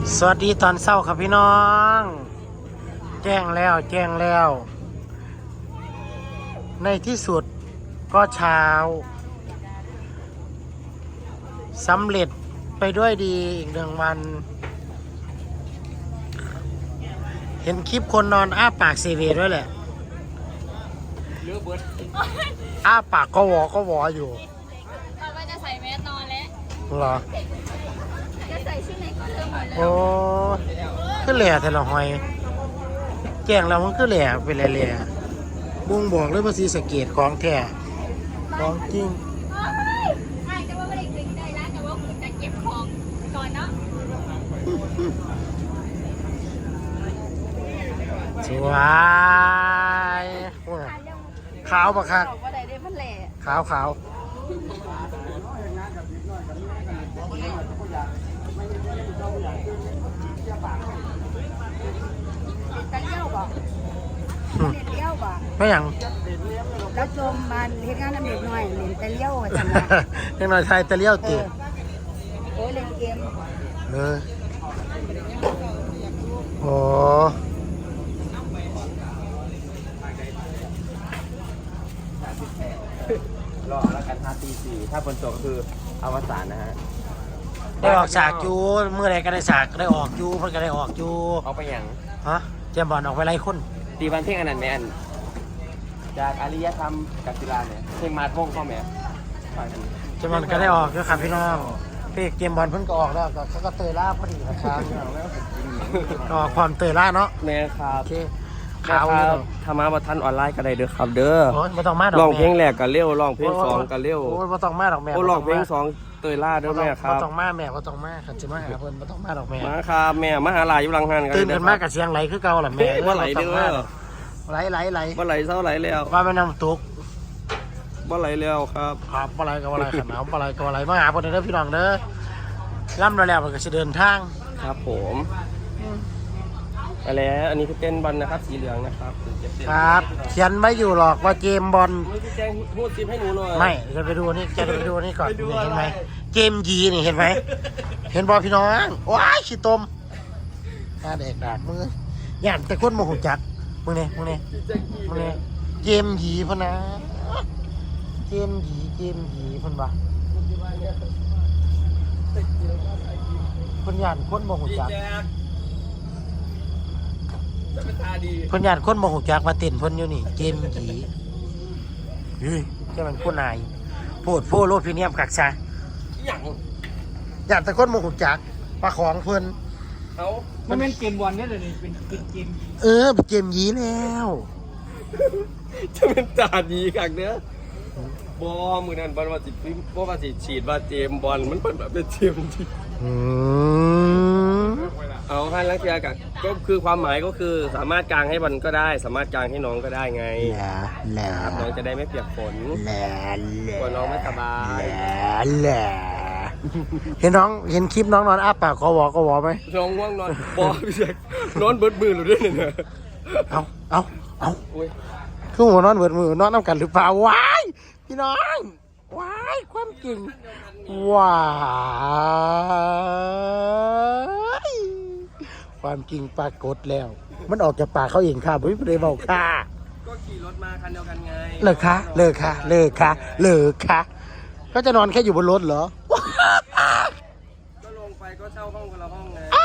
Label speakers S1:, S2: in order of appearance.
S1: สวัสดีตอนเช้าครับพี่น้อง แจ้งแล้ว ในที่สุดก็เช้าสำเร็จไปด้วยดีอีก1 วัน เห็นคลิปคนนอนอ้าปากเซเว่นด้วยแหละอ้าปากก็วออยู่
S2: เราว่าจะใส่แมสนอนแล้ว
S1: เหรอ
S2: จะใส่ชุดไหนก็เริ่มหมดแล้ว
S1: โอ้ขึ้นแหล่แต่ละหอยแจ้งแล้วมันขึ้นแหล่เป็นแหล่บุ้งบอกเลยว่าสีสะเกตของแท้ของจริง
S2: ใช่แต่ว่าไม่ได้ถึงใจแล้วแต่ว่าคุณจะเก็บของก่อนเนาะ
S1: สวยขาวปะครับขาวไม่อย่าง
S3: แล้วจมมันเฮ็ดงานน้ำเด็กหน่อยเล่นแต่เลี้ยวจัง
S1: เล็กน้อยไทยตะเลี้ยวตี
S3: โอ้ยเล่นเกม
S1: โอ้
S4: รอแล้วกัน5 ตี 4ถ้าฝนตกคืออวสานนะฮะ
S1: ได้ออกฉากจูเมื่อไรก็ได้ฉากได้ออกจูเพื่อนก็ได้ออกจู
S4: เอาไปอย่าง
S1: ฮะเจมบอลออกไปไล่คน
S4: ตีวันเที่ยงอันนั้นไหมอันจากอริยธรรมกับศิลาเนี่ยเพลงมาดวงเข้าไหม
S1: เจมบอลก็ได้ออกด้วยครับพี่น้องเป๊กเจมบอลเพิ่งก็ออกแล้วเขาก็เตยล่าพอดีครับออกความเตยล่าเนาะ
S4: แม่ครับ
S1: โอเค
S4: ข่าวธรรมะบัทันออนไลน์ก็ได้เด้อครับเด้อ
S1: ไม่ต้องมาดอก
S4: ร้องเพลงแรกก็เร็วร้องเพลง2ก็เร็ว
S1: โอ้ยไม่ต้องมาดอกแม่
S4: โอ้ร้องเพลง2เตยล่าเด้อแม่ครับ
S1: ไม่ต้องมาแม่ไม่ต้องมาขันจะมาหาเพิ่นไม่ต้องมาดอกแม่
S4: มาครับแม่มาหาหลายอยู่หลังหัน
S1: กันตื่นกันมากกับเสียงไหลคือเก่าแหละแม่
S4: ว่าไหลเด้อ
S1: ไหล
S4: ว่าไหลเศร้าไหลแล้ว
S1: ว่าไม่นำตุก
S4: ว่าไหลแล้วครับ
S1: ครับว่าไหลก็ว่าไหลขนาดว่าไหลก็ว่าไหลมาหาคนเด้อพี่น้องเด้อล่ำแล้วมันก็จะเดินทาง
S4: ครับผมไปแล้วอันนี้คือเต้นบอลนะครับสีเหลืองนะครับ
S1: ครับเขียนไม่อยู่หรอกว่าเกมบอล
S4: แจ้งพูดซิมให้หนูหน่อย
S1: ไม่จะไปดูนี่จะไปดูนี่ก่อนเห็นไหมเกมยีนี่เห็นไหมเห็นบอลพี่น้องว้ายขี้ตมตาเด็กดากมือย่านแต่คนโมโหจักมึงเนี่ยเกมยีพนะเกมยีพนบ่คนย่านคนโมโหจักคนย่านคนโมโหจักมาเต้นพนอยู่นี่เกมยีเฮ้ยแค่มันคนนายโพดโพโลดพรีเมียมกักซะย่านแต่คนโมโหจักปลาของเพิ่น
S4: มันเป็นเกมบอลเนี่ยเลยเป็นเกม
S1: เป็นเกมยีแล้ว
S4: จะเป็นตาดีกักเนื้อบอมือนั้นบอลว่าสิฉีดว่าเจมบอลมันเป็นแบบเป็นเจมที่เอาให้ลักษณะก็คือความหมายก็คือสามารถกางให้บอลก็ได้สามารถกางให้น้องก็ได้ไงครับน้องจะได้ไม่เปียกฝนกลัวน้องไม่สบาย
S1: เห็นน้องเห็นคลิปน้องนอนอ้าปากก็วอไหม
S4: น้องง่วงนอนบอพี่แจ็คนอนเบิดมือหรือด้วยเนี่ย
S1: เอาคือหัวนอนเบิดมือนอนน้ำกันหรือเปล่าว้ายพี่น้องว้ายความจริงว้ายความจริงปรากฏแล้วมันออกจากปากเขาเองค่ะไม่ได้บอกค่ะ
S4: ก็ขี่รถมาคันเดียวกันไง
S1: เลิกค่ะก็จะนอนแค่อยู่บนรถเหรอ
S4: ก็ลงไปก็เช่าห้องคนละห้องไง